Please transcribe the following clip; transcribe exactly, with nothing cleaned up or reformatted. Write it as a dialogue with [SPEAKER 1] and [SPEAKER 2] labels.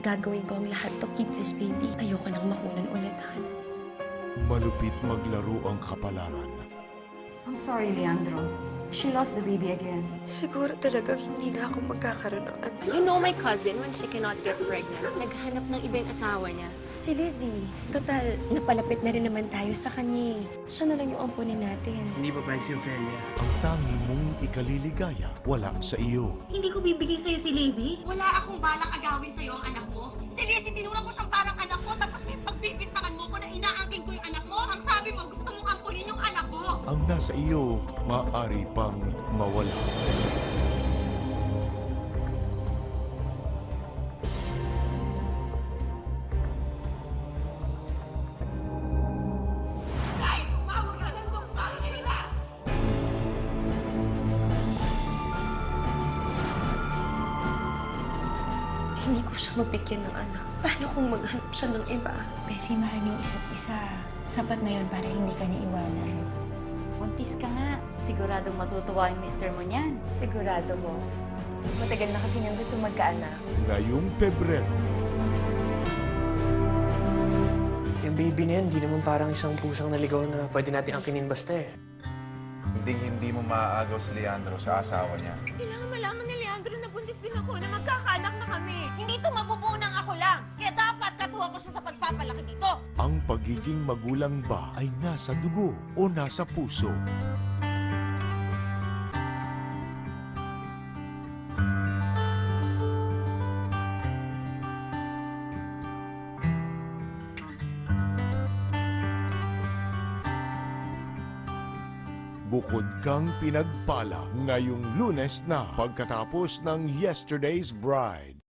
[SPEAKER 1] gagawin ko ang lahat to keep this baby. Ayoko nang makunan ulit, Han.
[SPEAKER 2] Malupit maglaro ang kapalaran.
[SPEAKER 3] I'm sorry, Leandro. She lost the baby again.
[SPEAKER 1] Siguro talagang hindi na ako magkakaroon ng anak.
[SPEAKER 4] You know my cousin, when she cannot get pregnant, naghanap ng iba yung asawa niya.
[SPEAKER 1] Si Lizzie, total, napalapit na rin naman tayo sa kanya. Siya na lang yung ampunin natin.
[SPEAKER 5] Hindi pa pa si Ophelia.
[SPEAKER 2] Ang tangi mong ikaliligaya, wala sa iyo.
[SPEAKER 4] Hindi ko bibigay sa'yo si Lizzie.
[SPEAKER 6] Wala akong balak agawin sa'yo ang anak mo. Si Lizzie, tinura mo siyang parang anak mo, tapos may pagbibintangan mo ko na inaangking ko yung anak mo. Ang sabi mo, gusto mong ampunin yung anak mo.
[SPEAKER 2] Ang nasa iyo, maaari pang mawala.
[SPEAKER 6] Kahit tumawag ka ng doktor, Sheila!
[SPEAKER 1] Hindi ko siya mabigyan ng anak. Paano kung maghanap siya ng iba?
[SPEAKER 3] Bessie, mahal yung isa't isa. Sapat na yun para hindi ka niiwanan.
[SPEAKER 7] Buntis ka nga. Siguradong matutuwa yung mister mo niyan.
[SPEAKER 3] Sigurado mo. Matagal na kasi niyang gusto magkaanak.
[SPEAKER 2] Ngayong Pebrero,
[SPEAKER 5] Yung baby na yan, di naman parang isang pusang naligaw na pwede natin angkinin basta eh.
[SPEAKER 8] Hindi hindi mo maaagaw si Leandro sa asawa niya.
[SPEAKER 6] Kailangan malaman ni Leandro na buntis din ako, na magkakaanak na kami. Hindi ito mabubuo ng ako lang. Kaya dapat katuwa ko siya sa pagpapalaki dito.
[SPEAKER 2] ang pagiging magulang ba ay nasa dugo o nasa puso? Bukod kang pinagpala ngayong Lunes na pagkatapos ng Yesterday's Bride.